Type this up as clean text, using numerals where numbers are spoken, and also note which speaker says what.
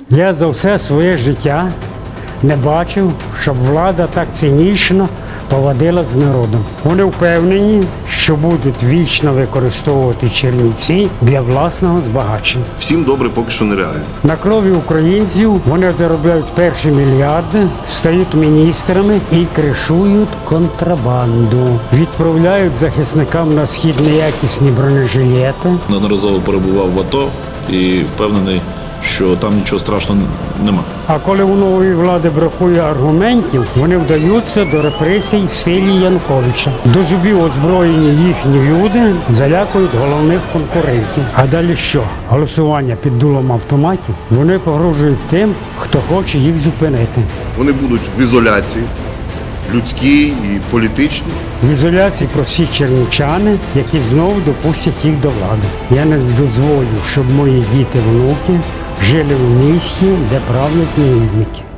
Speaker 1: Я за все своє життя не бачив, щоб влада так цинічно поводила з народом. Вони впевнені, що будуть вічно використовувати Чернівці для власного збагачення.
Speaker 2: Всім добре поки що нереально.
Speaker 1: На крові українців вони заробляють перші мільярди, стають міністрами і кришують контрабанду. Відправляють захисникам на схід неякісні бронежилети.
Speaker 3: Неодноразово перебував в АТО і впевнений, що там нічого страшного нема.
Speaker 1: А коли у нової влади бракує аргументів, вони вдаються до репресій в стилі Януковича. До зубів озброєні їхні люди залякують головних конкурентів. А далі що? Голосування під дулом автоматів? Вони погрожують тим, хто хоче їх зупинити.
Speaker 2: Вони будуть в ізоляції, людській і політичній.
Speaker 1: В ізоляції прості чернівчани, які знову допустять їх до влади. Я не дозволю, щоб мої діти-внуки жили в місті, де правлять негідники.